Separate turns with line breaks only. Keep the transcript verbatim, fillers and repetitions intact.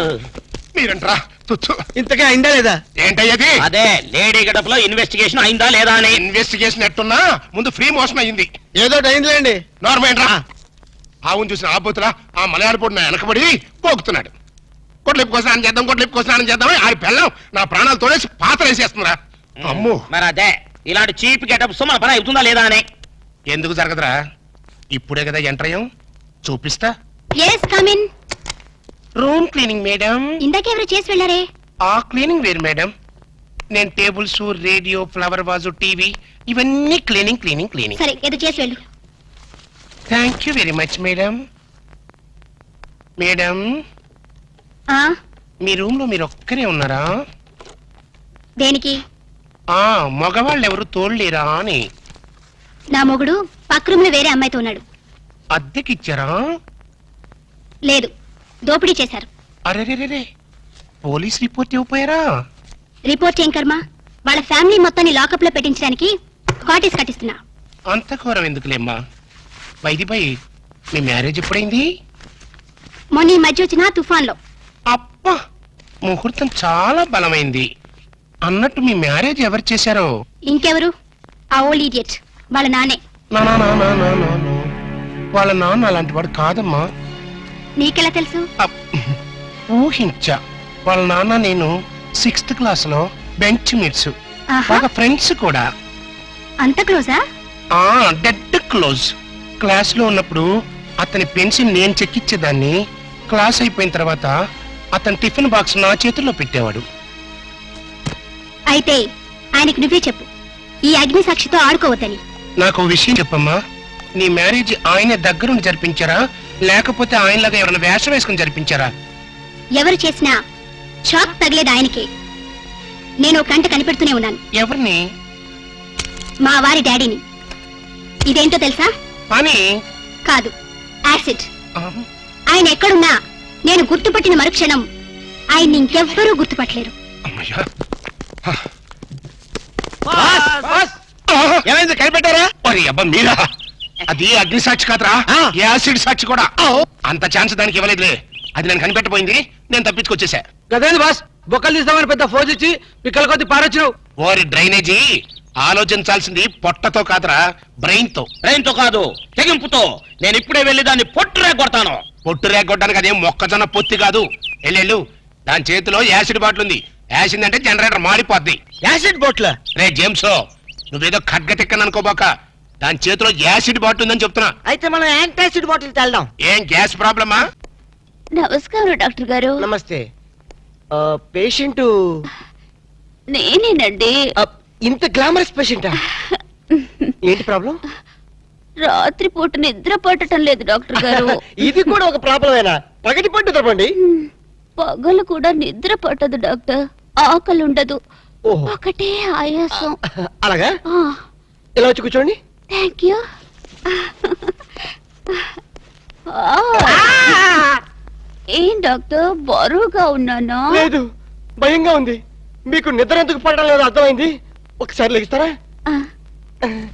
కమాల్.
మీరంట్రా తుచ్చు.
ఇంతకే అయిందా లేదా?
ఏంటయ్యది?
అదే లేడీ గడప లో ఇన్వెస్టిగేషన్ అయిందా లేదా అని.
ఇన్వెస్టిగేషన్ ఎట్టున్నా ముందు ఫ్రీ మోషన్ అయింది.
ఏదో అయిందిలేండి.
నార్మల్ రా. ఆవును చూసిన ఆబోతులా ఆ మలయాళ పొడి నా వెనకబడి పోగుతున్నాడు. కొట్లిప్పు కోసం స్నానం చేద్దాం, కొట్లిప్పు కోసం స్నానం చేద్దాం. ఆ పిల్లం నా ప్రాణాలు తోడేసి పాత్ర వేసేస్తుందిరా. అమ్ము.
మరి అదే ఇలాంటి చీప్ గెటప్స్ మన పని అవుతుందా లేదా అని.
ఎందుకు జరగదురా? ఇప్పుడే కదా ఎంటర్ అయ్యాం, చూపిస్తా.
Yes come in.
Room cleaning madam.
ఇందాకెవరు చేసి వెళ్ళారే?
ఆ క్లీనింగ్ వేరు మేడం. నేను tables, radio, flower vase, TV ఇవన్నీ క్లీనింగ్ క్లీనింగ్ క్లీనింగ్.
సరే ఏదో చేసి వెళ్ళు.
Thank you very much madam. Madam
ఆ
మీ రూమ్ లో మీరు ఒక్కరే ఉన్నారా?
దేనికి?
ఆ మగవాళ్ళు ఎవరు తోడలేరా అని.
నా మొగుడు పక్క రూమ్ లో వేరే అమ్మాయితో ఉన్నాడు.
అద్దెకిచ్చారా?
లేదు, దోపిడీ చేశారు.
అరెరెరే, పోలీస్ రిపోర్ట్ ఇవ్వపోయారా?
రిపోర్ట్ ఏం కర్మ, వాళ్ళ ఫ్యామిలీ మొత్తాన్ని లాకప్ లో పెట్టించడానికి కాటేజ్ కట్టిస్తున్నా.
అంత ఘోరం ఎందుకులేమ్మా. వైది బై మీ మ్యారేజ్ ఎప్పుడైంది?
మొన్న ఈ మధ్య వచ్చిన తుఫాన్ లో.
అబ్బా, ముహూర్తం చాలా బలమైంది. అన్నట్టు మీ మ్యారేజ్ ఎవరు చేశారో?
ఇంకెవరు? ఆ ఓల్డ్ ఇడియట్ వాళ్ళ నానే.
నా నా నా నా నా నా నా. వాళ్ళ నాన్న అలాంటి వాడు కాదమ్మా.
నీకెలా తెలుసు?
అప్. ఊహించా. వాళ్ళ నాన్న నేను సిక్స్త్ క్లాస్ లో బెంచ్ మీట్స్,
ఆహా,
బాగా ఫ్రెండ్స్ కూడా.
అంత క్లోజా?
ఆ డెడ్ క్లోజ్. క్లాస్ లో ఉన్నప్పుడు అతని పెన్సిల్ నేను చెక్కిచ్చేదాన్ని. క్లాస్ అయిపోయిన తర్వాత అతని టిఫిన్ బాక్స్ నా చేతుల్లో పెట్టేవాడు.
అయితే ఆయనకి నువ్వే చెప్పు, ఈ అగ్ని సాక్షితో ఆడుకోవద్దని.
నాకు ఓ విషయం చెప్పమ్మా. నీ మ్యారేజ్ ఆయన దగ్గరుండి జరిపించారా, లేకపోతే ఆయనలాగా ఎవరైనా వేషం వేసుకుని జరిపించారా?
ఎవరు చేసినా షాక్ తగిలేది ఆయనకే. నేను ఒక కంట కనిపెడుతూనే ఉన్నాను.
ఎవరిని?
మా వారి డాడీని. ఇదేంటో తెలుసా?
అని
కాదు, యాసిడ్.
ఆ,
ఆయన ఎక్కడున్నా నేను గుర్తుపట్టిన మరుక్షణం ఆయన్ని ఇంకెవ్వరూ గుర్తుపట్టలేరు.
అమ్మయ్యా.
బాస్, బాస్,
ఆ,
ఏమైంది కనిపెట్టారా?
ఒరే అబ్బా మీరా? అది అగ్ని సాక్షి కాదురా,
ఆ.
యాసిడ్ సాక్షి కూడా. అంత ఛాన్స్ దానికి ఇవ్వలేదులే. అది నేను కనిపెట్టపోయింది, నేను తప్పించుకొచ్చేసా.
గదేంది బాస్, బొక్కలు తీస్తామని పెద్ద ఫోజ్ ఇచ్చి పిక్కల కొద్ది పారొచ్చినావు.
ఓరి డ్రైనేజీ, ఆలోచించాల్సింది పొట్టతో కాదురా, బ్రెయిన్ తో.
బ్రెయిన్ తో కాదు, తెగింపుతో. నేను ఇప్పుడే వెళ్ళి దాన్ని పొట్టురే కొడతాను.
పొట్టు రేగొట్టడానికి అదేం మొక్కజొన్న పొత్తి కాదు. ఎల్లెళ్ళు, దాని చేతిలో యాసిడ్ బాటిల్ ఉంది. యాసిడ్ అంటే జనరేటర్ మాడిపోద్ది.
యాసిడ్ బోట్ల
రే జేమ్స్, నువ్వేదో ఖడ్గ తిక్కని అనుకోబాక. దాని చేతిలో యాసిడ్ బాటిల్ ఉందని చెప్తున్నా.
అయితే మనం యాంటాసిడ్ బాటిల్ తెల్దాం.
ఏం గ్యాస్ ప్రాబ్లమా?
నమస్కారం డాక్టర్ గారు.
నమస్తే. పేషెంట్
నేనేనండి.
ఇంత గ్లామరస్ పేషెంటా? ఏంటి ప్రాబ్లం?
రాత్రి పూట నిద్ర పట్టడం లేదు డాక్టర్ గారు.
ఇది కూడా ఒక ప్రాబ్లమేనా? పగటి పట్టు తప్పండి.
పగలు కూడా నిద్ర పట్టదు డాక్టర్. ఆకలి ఉండదు,
ఓహో,
ఒకటే ఆయాసం.
అలాగా? ఇలా వచ్చి కూర్చోండి.
Thank you. ఏం డాక్టర్, బరువుగా ఉన్నానా?
లేదు, భయంగా ఉంది. మీకు నిద్ర ఎందుకు పడడం లేదు అర్థమైంది. ఒకసారి లెగిస్తారా?